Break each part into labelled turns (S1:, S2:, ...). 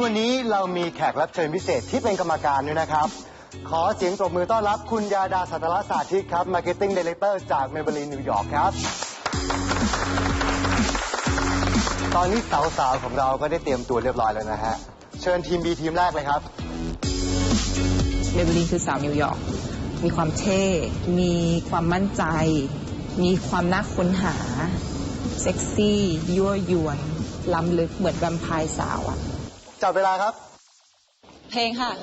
S1: วันนี้เรามีแขกรับเชิญพิเศษที่เป็นกรรมการด้วยนะครับขอเสียงปรบมือต้อนรับคุณยาดาสัตรสาธิตครับ Marketing Director จาก Maybelline นิวยอร์กครับตอนนี้สาวๆของเราก็ได้เตรียมตัวเรียบร้อยแล้วนะฮะเชิญทีม B ทีมแรกเลยครับ
S2: Maybelline คือสาวนิวยอร์กมีความเท่มีความมั่นใจมีความน่าค้นหาเซ็กซี่ยั่วยวนล้ำลึกเหมือนแวมไพร์สาวอะ
S1: จับเวลาครับ
S2: เพลงค่ะ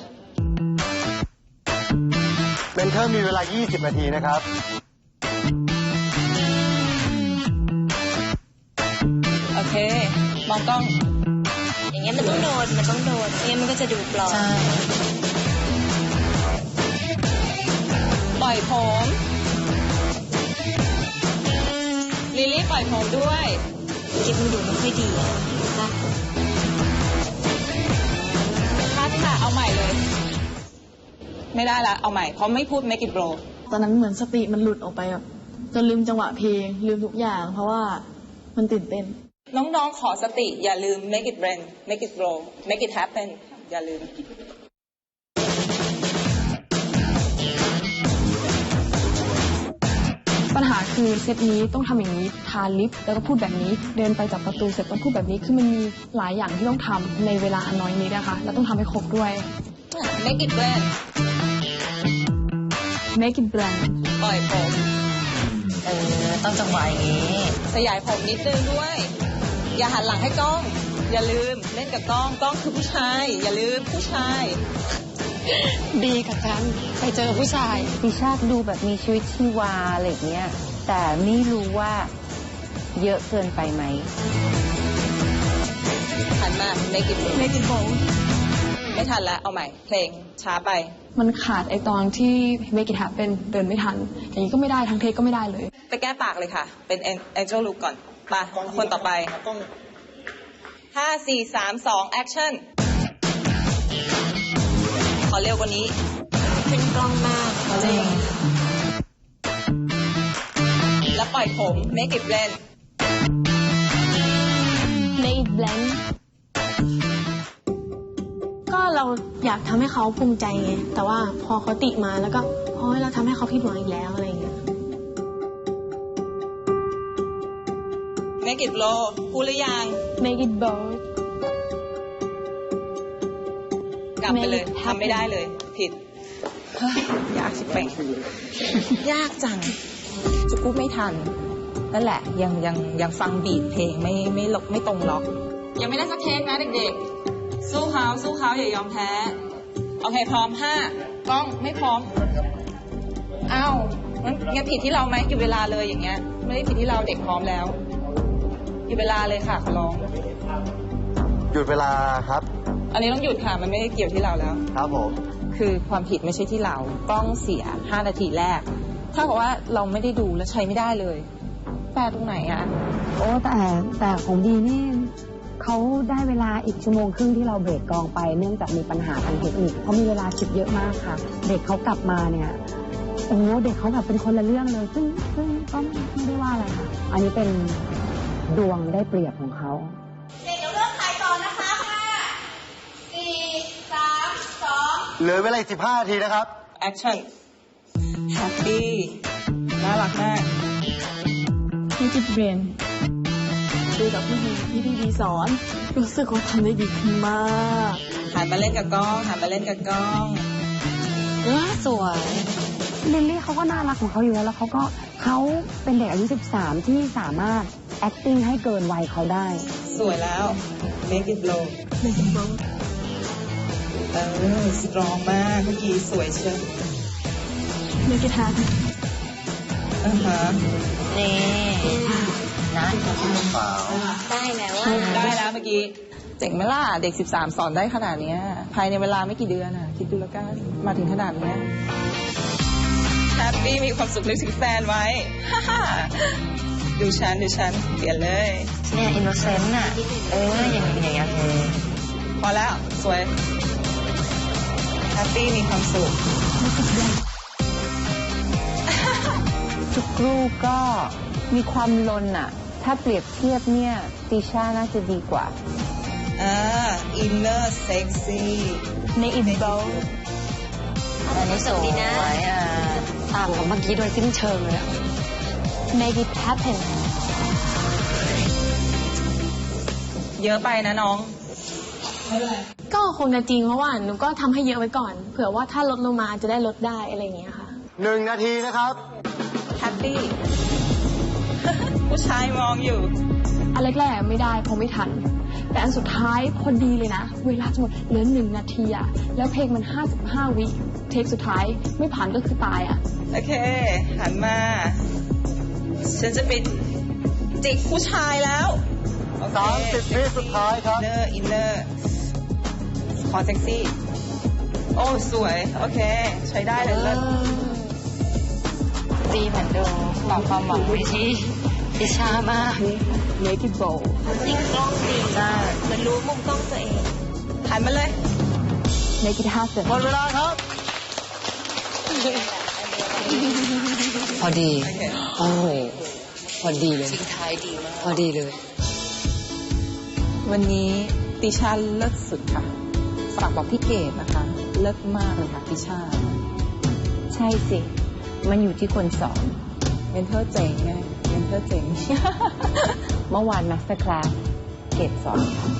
S1: เมนเทอร์มีเวลา20นาทีนะครับ
S2: โอเคมองกล้อง
S3: อย่างเงี้ยมันต้องโดนไม่งั้นมันก็จะดูปลอม
S2: ปล่อยผมลิลลี่ปล่อยผมด้วย
S3: เก็บมันดูไม่ค่อยดีค่ะ
S2: ค่ะเอาใหม่เลยไม่ได้ละเอาใหม่เพราะไม่พูด make it blow
S4: ตอนนั้นเหมือนสติมันหลุดออกไปแบบจนลืมจังหวะเพลงลืมทุกอย่างเพราะว่ามันตื่นเต้น
S2: น้องๆขอสติอย่าลืม make it rain make it blow make it happen อย่าลืม
S4: ปัญหาคือเซตนี้ต้องทำอย่างนี้ทาลิปแล้วก็พูดแบบนี้เดินไปจับประตูเสร็จต้องพูดแบบนี้คือมันมีหลายอย่างที่ต้องทำในเวลาอันน้อยนี้นะคะแล้วต้องทำให้ครบด้วย
S2: make it rain
S4: make it brand
S2: ปล่อยผม
S3: ต้องจังหวะอย่างนี้
S2: ขยายผมนิดนึงด้วยอย่าหันหลังให้กล้องอย่าลืมเล่นกับกล้องคือผู้ชายอย่าลืมผู้ชาย
S4: ดีกับกันไปเจอผู้ชาย
S5: ดิชาติดูแบบมีชีวิตชีวาอะไรอย่างเงี้ยแต่ไม่รู้ว่าเยอะเกินไปไหม
S2: หันมา make it
S4: bold
S2: ไม่ทันแล้วเอาใหม่เพลงช้าไป
S4: มันขาดไอตอนที่ make it happen เดินไม่ทันอย่างนี้ก็ไม่ได้ทั้งเทคก็ไม่ได้เลย
S2: ไปแก้ปากเลยค่ะเป็น angel look ก่อนไปคนต่อไป5 4 3 2 actionขอเร็วกว่านี้
S3: เป็นกล้องมาก
S2: จริงแล้วปล่อยผม make it blend
S4: make it blend ก็เราอยากทำให้เขาภูมิใจไงแต่ว่าพอเขาติมาแล้วก็พอเราทำให้เขาผิดหวังอีกแล้วอะไรอย่างเงี้ย
S2: make it blow พูดหรือยัง
S4: make it bold
S2: กลับไปเลยทำไม่ได้เลยผิดยากชิบเป่งยากจังจะพูดไม่ทันนั่นแหละยังฟังบีทเพลงไม่ตรงล็อกยังไม่ได้สักเทคนะเด็กๆสู้เขาอย่ายอมแพ้โอเคพร้อม5กล้องไม่พร้อมอ้าวงั้นผิดที่เราไหมหยุดเวลาเลยอย่างเงี้ยไม่ได้ผิดที่เราเด็กพร้อมแล้วหยุดเวลาเลยค่ะขอร้อง
S1: หยุดเวลาครับ
S2: อันนี้ต้องหยุดค่ะมันไม่ได้เกี่ยวที่เราแล้ว
S1: ครับผม
S2: คือความผิดไม่ใช่ที่เรากล้องเสีย5นาทีแรกถ้าบอกว่าเราไม่ได้ดูและใช้ไม่ได้เลยแปลตรงไหนอะ
S5: โอ้แต่ของดีนี่เขาได้เวลาอีกชั่วโมงครึ่งที่เราเบรกกองไปเนื่องจากมีปัญหาทางเทคนิคเขามีเวลาคิดเยอะมากค่ะเด็กเขากลับมาเนี่ยโอ้เด็กเขาแบบเป็นคนละเรื่องเลยซึ่งก็ไม่ได้ว่าอะไรค่ะอันนี้เป็นดวงได้เปรียบของเขา
S1: เหลือเวลา15นาทีนะครับ
S2: Action Happy น่ารักมาก
S4: พี่จิตเบรนดูจากพี่ดีสอนรู้สึกว่าทำได้ดีขึ้นมาก
S2: หันมาเล่นกับกล้อง
S4: สวย
S5: ลิลลี่เขาก็น่ารักของเขาอยู่แล้วเขาเป็นเด็กอายุ13ที่สามารถ acting ให้เกินวัยเขาได้
S2: สวยแล้ว Make it blow สตรองมากเมื่อกี้สวยเชียว
S4: เมื่อกี้ทาน
S2: นี่
S3: นะได้แล้ว
S2: ได้แล้วเมื่อกี้เจ๋งไหมล่ะเด็ก13สอนได้ขนาดนี้ภายในเวลาไม่กี่เดือนอ่ะคิดดูแล้วกันมาถึงขนาดนี้แฮปปี้มีความสุขนึกถึงแฟนไว้ดูฉันเปลี่ยนเลย
S3: เนี่ยอินโนเซนต์น่ะอย่างเงี้ย
S2: พอแล้วสวยแฮปปี้มีความสุข
S5: ทุกรูปก็มีความลนอ่ะถ้าเปรียบเทียบเนี่ยติช่าน่าจะดีกว่า
S2: inner sexy
S4: make it bold
S3: อันนี้สวยดีนะ
S5: ต่างกับเมื่อกี้โดยสิ้นเชิงเลยอะ
S4: make it happen
S2: เยอะไปนะน้อง
S4: ก็คงจะจริงเพราะว่าหนูก็ทำให้เยอะไว้ก่อน เผื่อว่าถ้าลดลงมาจะได้ลดได้อะไรอย่างเงี้ยค่ะ
S1: 1 นาทีนะครับ
S2: แฮปปี้ ผู้ชายมองอยู่
S4: อันแรกๆไม่ได้เพราะไม่ทัน แต่อันสุดท้ายพอดีเลยนะ เวลาจะหมดเหลือ1 นาทีอะแล้วเพลงมัน55 วิเทคสุดท้ายไม่ผ่านก็คือตายอะ
S2: โอเค หันมา ฉันจะไปจิกผู้ชายแล้วโอเค
S1: 30 วิสุดท้ายครับ
S2: อินเนอร์ ขอเซ็กซี่ โอ้ สวย โอเค ใช้ได้เลยเลิศ
S5: ดีเหมือนดูบอกความหวังไว้ที่พิชามาก
S4: make it bold
S3: จริงกล้องดีเหมือนรู้มุมกล้องตัวเอง
S2: หันมาเลย
S4: make it happen
S1: หมดเวลาครับ
S5: พอดี
S2: โอเค
S5: โอ้โหพอดีเลย
S3: ทิ้งท้ายดีมาก
S5: พอดีเลย
S2: วันนี้ติชาเลิศสุดค่ะ ฝากบอกพี่เกดนะคะ เลิศมากเลยค่ะติชา
S5: ใช่สิ มันอยู่ที่คนสอน
S2: เมนเทอร์เจ๋งไง เมนเทอร์เจ๋ง
S5: เมื่อวานมาสเตอร์คลาสเกรดสอน